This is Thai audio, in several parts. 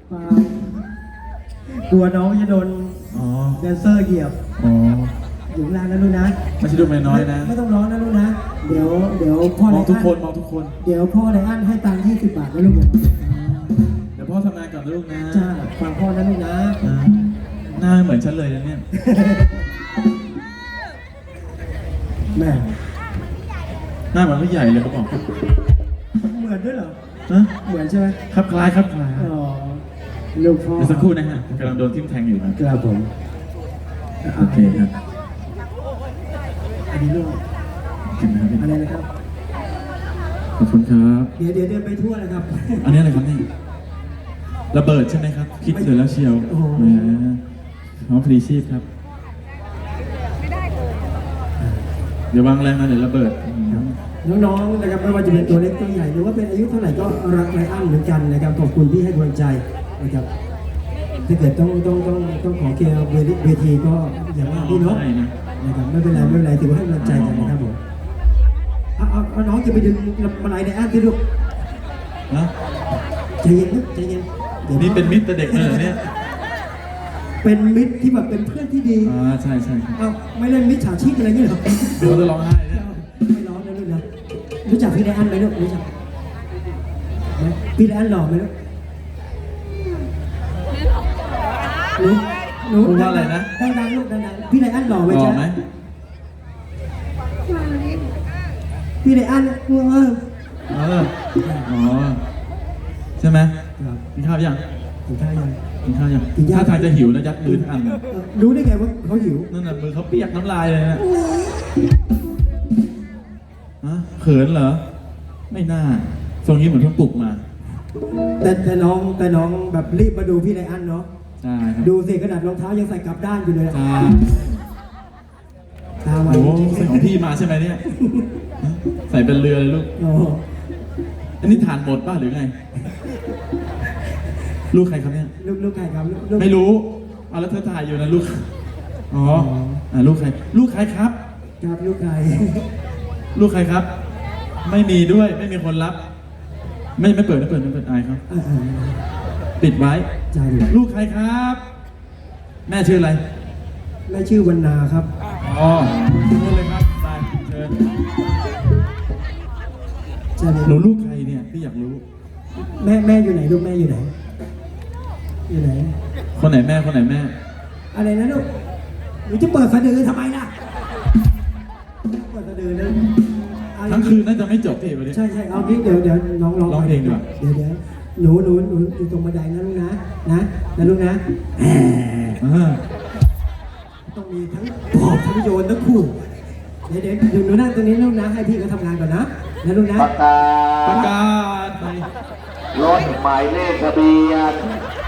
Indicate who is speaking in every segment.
Speaker 1: กลัวน้องจะโดน
Speaker 2: อ๋อ
Speaker 1: แดนเซอร์เหยียบ
Speaker 2: อ๋อ
Speaker 1: อยู่นานนะลูกนะ
Speaker 2: ไม่ใช่ดูไม่น้อยนะ
Speaker 1: ไม่ต้องร้องนะลูกนะ เดี๋ยวพ่อ
Speaker 2: ม
Speaker 1: ไล
Speaker 2: อง
Speaker 1: อ้
Speaker 2: ทุกคน
Speaker 1: น
Speaker 2: มองทุกคน
Speaker 1: เดี๋ยวพ่อไลอ้อนให้ตังค์20 บาทนะลูก
Speaker 2: เดี๋ยวพ่อทำงานก่อนนะลูกนะ
Speaker 1: จ้าฟังพ่อนะลูกนะ
Speaker 2: อ่าหน้าเหมือนฉันเลยนะเนี่ย
Speaker 1: แม่
Speaker 2: หน้าเหมือนผู้ใหญ่เลยเขาบอก
Speaker 1: เหมือนด้วยเหรอ
Speaker 2: ฮะ
Speaker 1: เหมือนใช่ไหม
Speaker 2: ครับคล้ายครับคล้าย
Speaker 1: อ๋อลูกพ่อ
Speaker 2: เดี๋ยวสักครู่นะฮะกำลังโดนทิ่มแทงอยู่ครับ
Speaker 1: ครับผม
Speaker 2: โอเคครับ
Speaker 1: อันนี้ลูก
Speaker 2: กินนะครับ
Speaker 1: อะไรนะครับ
Speaker 2: ขอบคุณครับ
Speaker 1: เดี๋ยวเดินไปทั่วนะครับ
Speaker 2: อันนี้อะไรครับนี่ระเบิดใช่ไหมครับ คิดเสร็จแล้วเชียว
Speaker 1: โอ้โห
Speaker 2: แหมน้องพลีชีพครับเดี๋ยววางแรงนะเดี๋ยวระเบิด
Speaker 1: น้องๆนะครับไม่ว่าจะเป็นตัวเล็กตัวใหญ่หรือว่าเป็นอายุเท่าไหร่ก็รักไลอ้อนเหมือนกันนะครับขอบคุณที่ให้กำลังใจนะครับถ้าเกิดต้องขอเคลียร์เวทีก็อย่างว่าพี่เนาะ
Speaker 2: ใช่นะ
Speaker 1: นะครับไม่เป็นไรถือว่าให้กำลังใจกันนะครับผมเอาน้องจะไปดึงมาลัยไลอ้อนที่ลูก
Speaker 2: นะ
Speaker 1: ใจเย็นลูกใจเย็นดี๋ยว
Speaker 2: นี่เป็นมิตรแต่เด็กเลยเหรอเนี่ย
Speaker 1: เป็นมิตรที่แบบเป็นเพื่อนที่ดี
Speaker 2: ใช่ครับ
Speaker 1: เอ้าไม่เล่นมิตรฉาชีพอะไรเงี้ยเหรอ
Speaker 2: ดูจะร้องไห้เนี่ย
Speaker 1: ไม่ร้องนะลูกนะรู้จักพี่ไลอ้อนไหมลูกรู้จักไหมพี่ไลอ้อนหล่อไหมลูกหนู
Speaker 2: พูดว่าอะไรนะ
Speaker 1: ดังๆลูกดังๆพี่ไลอ้อนหล่อไหม
Speaker 2: หล่อ
Speaker 1: จ๊ะ
Speaker 2: ไหม
Speaker 1: พี่ไลอ้อน
Speaker 2: อ๋อใช่ไหม
Speaker 1: ครับ
Speaker 2: กินข้าวยัง
Speaker 1: กินข้าวยัง
Speaker 2: กินข้าวยัง
Speaker 1: กินยัง
Speaker 2: ถ้าทางจะหิวนะยัดมือทั้งอัน
Speaker 1: รู้ได้ไงว่าเขาหิว
Speaker 2: นั่นน่ะมือเขาเปียกน้ำลายเลยนะฮะเขินเหรอไม่น่าทรงนี้เหมือนเพิ่งปลุกมา
Speaker 1: แต่น้องแบบรีบมาดูพี่ไลอ้อนเนาะ
Speaker 2: ใช่ครับ
Speaker 1: ดูสิขนาดรองเท้ายังใส่กลับด้านอยู่เลยอะ
Speaker 2: ใช่
Speaker 1: ตาไว
Speaker 2: โอ้
Speaker 1: จริง
Speaker 2: ใส่ของพี่มาใช่ไหมเนี่ยฮะใส่เป็นเรือเลยลูก
Speaker 1: โอ้
Speaker 2: อันนี้ทานหมดป่ะหรือไง ลูกใครครับเนี่ย
Speaker 1: ลูกใครครับลูก
Speaker 2: ไม่รู้เอาแล้วเธอถ่ายอยู่นะลูก อ๋อลูกใคร ลูกใครครับ
Speaker 1: ครับลูกใคร
Speaker 2: ลูกใครครับ ไม่มีด้วย ไม่มีคนรับ ไม่เปิดอายครับ ปิดไว้
Speaker 1: ใจเลย
Speaker 2: ลูกใครครับ แม่ชื่ออะไร
Speaker 1: แม่ชื่อวรรณาครับ
Speaker 2: อ๋อพูดเลยครับไปเชิญ
Speaker 1: ใช่เลย
Speaker 2: หนูลูกใครเนี่ยพี่อยากรู้
Speaker 1: แม่อยู่ไหนลูกแม่อยู่ไหน อยู่ไหน
Speaker 2: คนไหนแม่คนไหนแม่
Speaker 1: อะไรนะลูกหนูจะเปิดสะดือทำไมล่ะเปิดสะดือเลยเอา
Speaker 2: ทั้งคืนน่าจะไม่จบพี่วันนี้
Speaker 1: ใช่เอางี้เดี๋ยวน้องร้อง
Speaker 2: ร้องเพลงดีกว่า
Speaker 1: เดี๋ยวหนูอยู่ตรงบันไดนะลูกนะลูกนะ
Speaker 2: อ่า
Speaker 1: ต้องมีทั้งปอบทั้งโยนทั้งคู่เดี๋ยวหนูนั่งตรงนี้ลูกนะให้พี่เขาทำงานก่อนนะลูกนะ
Speaker 3: ประกา
Speaker 2: ประ
Speaker 3: ศ
Speaker 2: กาศไป
Speaker 3: รถหมายเลขทะเบียน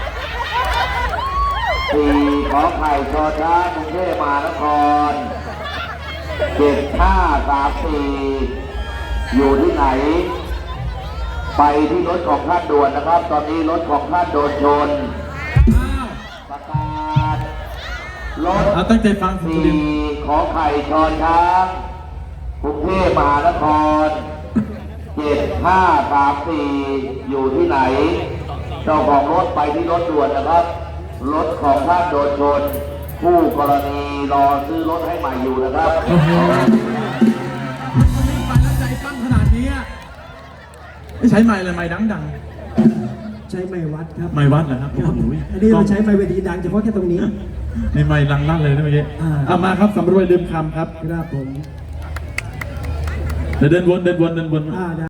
Speaker 3: 4ขอไข่ชอช้างกรุงเทพมหานคร7534อยู่ที่ไหน ไปที่รถของท่านด่วนนะครับ ตอนนี้รถของท่านโดนชน
Speaker 2: อ้าว
Speaker 3: ประกาศรถ
Speaker 2: เอาตั้งใจฟังคุณดิน
Speaker 3: 4ขอไข่ชอช้างกรุงเทพมหานคร7534อยู่ที่ไหน เจ้าของรถไปที่รถด่วนนะครับ รถของท่านโดนชนผู้กรณีรอซื้อรถให้ใหม่อยู่นะครับ
Speaker 2: โอ้โหไปแล้วใจปั้มขนาดนี้อะไม่ใช้ไม้เลยไม้ดัง
Speaker 1: ใช้ไม้วัดครับ
Speaker 2: ๆไม้วัดเหรอครับโอ้โห
Speaker 1: อันนี้เราใช้ไม้เวทีดังเฉพาะแค่ตรงนี้
Speaker 2: นี่ไม้ลังลั่นเลยนะเมื่อกี้ เอามาครับสำรวยลืมคำครับ
Speaker 1: ครับผม
Speaker 2: เดี๋ยวเดินวน